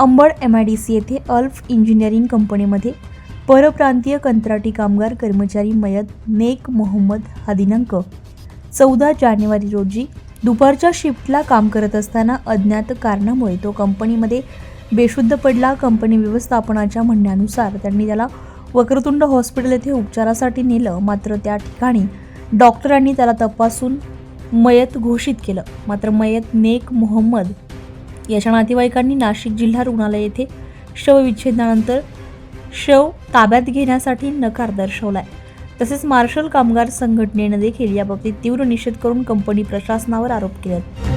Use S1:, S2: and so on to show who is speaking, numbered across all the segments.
S1: Ambad MIDC येथे अल्फ engineering कंपनीमध्ये परप्रांतीय कंत्राटी कामगार कर्मचारी मयत नेक मोहम्मद हा दिनांक 14 जानेवारी रोजी दुपारच्या शिफ्टला काम करत असताना अज्ञात कारणामुळे तो कंपनीमध्ये बेशुद्ध पडला। कंपनी व्यवस्थापनाच्या म्हणण्यानुसार त्यांनी त्याला वक्रतुंड हॉस्पिटल येथे उपचारासाठी नेलं, मात्र त्या ठिकाणी डॉक्टरांनी त्याला तपासून मयत घोषित केलं। मात्र मयत नेक मोहम्मद याच्या नातेवाईकांनी नाशिक जिल्हा रुग्णालय येथे शवविच्छेदनानंतर शव ताब्यात घेण्यासाठी नकार दर्शवलाय। तसेच मार्शल कामगार संघटनेने देखील याबाबतीत तीव्र निषेध करून कंपनी प्रशासनावर आरोप केले।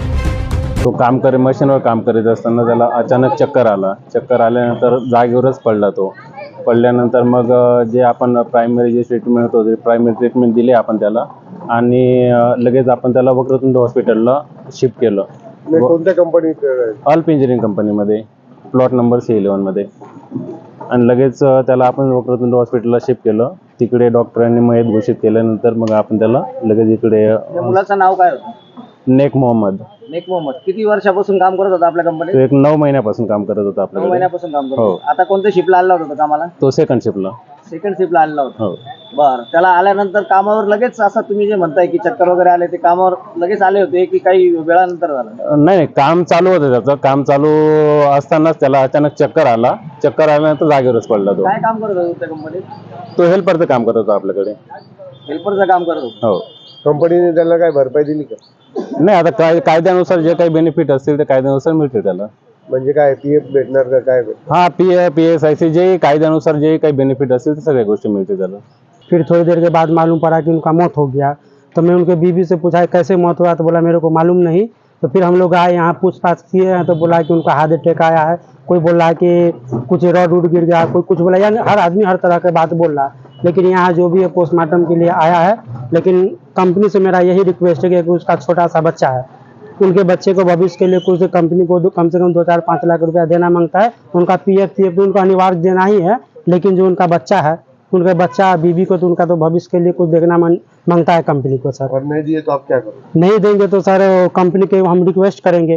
S2: तो मशीनवर काम करीत असताना त्याला अचानक चक्कर आल्यानंतर जागेवरच पडला। तो पडल्यानंतर मग जे आपण प्रायमरी जे ट्रीटमेंट होतो ते प्रायमरी ट्रीटमेंट दिली आपण त्याला, आणि लगेच आपण त्याला वक्रतुंड हॉस्पिटलला शिफ्ट केलं।
S3: कोणत्या कंपनीत?
S2: अल्फ इंजिनिअरिंग कंपनीमध्ये, प्लॉट नंबर C11 मध्ये। आणि लगेच त्याला आपण वक्रतुंड हॉस्पिटलला शिफ्ट केलं। तिकडे डॉक्टरांनी मयत घोषित केल्यानंतर मग आपण त्याला लगेच इकडे।
S4: मुलाचं नाव काय होतं?
S2: नेक मोहम्मद।
S4: नेक मोहम्मद किती वर्षापासून काम करत होता आपल्या कंपनीत?
S2: तो एक 9 महिन्यापासून काम करत होता
S4: 9
S2: आपल्याकडे।
S4: महिन्यापासून काम करत
S2: हो।
S4: होता। आता कोणत्या शिफ्टला आला होता कामाला?
S2: तो सेकंड शिफ्टला
S4: आलेला होता।
S2: हो।
S4: बरं, त्याला आल्यानंतर कामावर लगेच असं तुम्ही जे म्हणताय की चक्कर वगैरे आले, ते कामावर लगेच आले होते की काही वेळानंतर झालं?
S2: नाही, काम चालू होतं त्याचं। काम चालू असतानाच त्याला अचानक चक्कर आल्यानंतर जागेवरच पडला। तो
S4: काय काम करत होता त्या कंपनीत?
S2: तो हेल्परचं काम करत होता आपल्याकडे।
S4: हेल्परचं काम करत होता?
S2: हो।
S3: कंपनीने त्याला काय भरपाई दिली का?
S2: नाही, आता कायद्यानुसार जे काही बेनिफिट असतील ते कायद्यानुसार मिळते त्याला।
S3: म्हणजे काय PF भेटणार का काय?
S2: हाँ, PF PSIC जे कायद्यानुसार जे काही बेनिफिट असतील ते सगळ्या गोष्टी मिळते त्याला।
S5: फिर थोड़ी देर के बाद मालूम पड़ा कि उनका मौत हो गया। तो मैं उनके बीवी से पूछा कैसे मौत हुआ, तो बोला मेरे को मालूम नहीं। तो फिर हम लोग आए यहाँ पूछताछ किए हैं, तो बोला कि उनका हार्ट अटैक आया है। कोई बोल रहा है कि कुछ रॉड उड गिर गया, कोई कुछ बोला, यानी हर आदमी हर तरह की बात बोल रहा है। लेकिन यहाँ जो भी है पोस्टमार्टम के लिए आया है। लेकिन कंपनी से मेरा यही रिक्वेस्ट है कि उसका छोटा सा बच्चा है, उनके बच्चे को भविष्य के लिए कुछ कंपनी को कम से कम 2-4-5 लाख रुपया देना मांगता है। उनका PF तो उनको अनिवार्य देना ही है, लेकिन जो उनका बच्चा है, उनके बच्चा बीवी को तो उनका तो भविष्य के लिए कुछ देखना मांगता है कंपनी को सर।
S3: और नहीं दिए तो आप क्या करोगे?
S5: नहीं देंगे तो सर कंपनी के हम रिक्वेस्ट करेंगे।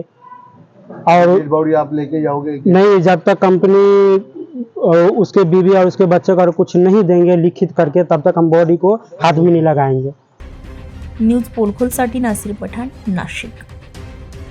S5: और
S3: बॉडी आप लेके जाओगे?
S5: नहीं, जब तक कंपनी उसके बीवी और उसके बच्चे को कुछ नहीं देंगे लिखित करके, तब तक हम बॉडी को हाथ भी नहीं लगाएंगे।
S1: न्यूज पोलखोलसाठी नासिर पठाण, नाशिक।